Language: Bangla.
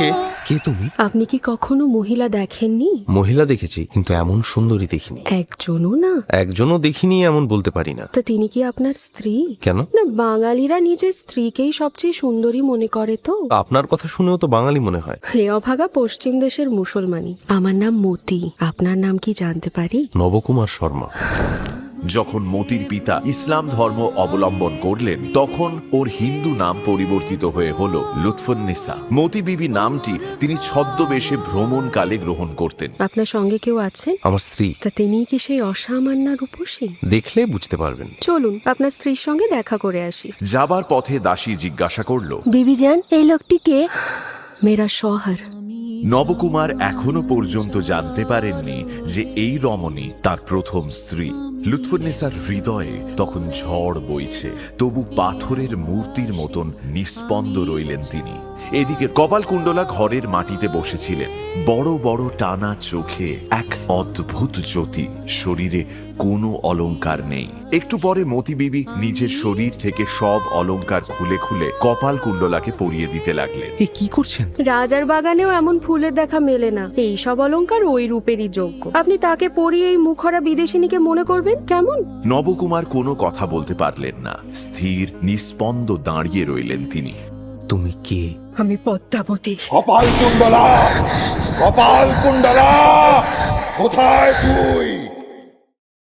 কে কে তুমি? আপনি কি কখনো মহিলা দেখেননি? মহিলা দেখেছি, কিন্তু এমন সুন্দরী দেখিনি। একজনও না? একজনও দেখিনি এমন বলতে পারি না। তো তিনি কি আপনার স্ত্রী? কেন? না, বাঙালিরা নিজের স্ত্রীকেই সবচেয়ে সুন্দরী মনে করে তো। আপনার কথা শুনেও তো বাঙালি মনে হয়। হে অভাগা পশ্চিম দেশের মুসলমানি। আমার নাম মতি। আপনার নাম কি জানতে পারি? নবকুমার শর্মা। যখন মতির পিতা ইসলাম ধর্ম অবলম্বন করলেন, তখন ওর হিন্দু নাম পরিবর্তিত হয়ে হল লুৎফুন্নিসা। মতি বিবি নামটি তিনি ছদ্মবেশে ভ্রমণকালে গ্রহণ করতেন। আপনার সঙ্গে কেউ আছেন? আমার স্ত্রী। তা তিনি কি সেই অসামান্য রূপসী? দেখলে বুঝতে পারবেন। চলুন আপনার স্ত্রীর সঙ্গে দেখা করে আসি। যাবার পথে দাসী জিজ্ঞাসা করল, বিবিজান, এই লোকটি কে? মেরা শহর। নবকুমার এখনো পর্যন্ত জানতে পারেননি যে এই রমণী তার প্রথম স্ত্রী। লুৎফুন্নিসার হৃদয়ে তখন ঝড় বইছে, তবু পাথরের মূর্তির মতন নিস্পন্দ রইলেন তিনি। এদিকে কপালকুণ্ডলা ঘরের মাটিতে বসেছিলেন, বড় বড় টানা চোখে এক অদ্ভুত জ্যোতি, শরীরে কোনো অলংকার নেই। একটু পরে মতি বিবি নিজের শরীর থেকে সব অলংকার খুলে খুলে কপালকুণ্ডলাকে পরিয়ে দিতে লাগলেন। এ কি করছেন? রাজার বাগানেও এমন ফুলের দেখা মেলে না। এই সব অলংকার ওই রূপেরই যোগ্য। আপনি তাকে পরিয়ে এই মুখরা বিদেশিনীকে মনে করবেন কেমন? নবকুমার কোনো কথা বলতে পারলেন না, স্থির নিস্পন্দ দাঁড়িয়ে রইলেন তিনি। তুমি কে? আমি পদ্মাবতী। কপালকুণ্ডলা, কপালকুণ্ডলা, কোথায় তুই?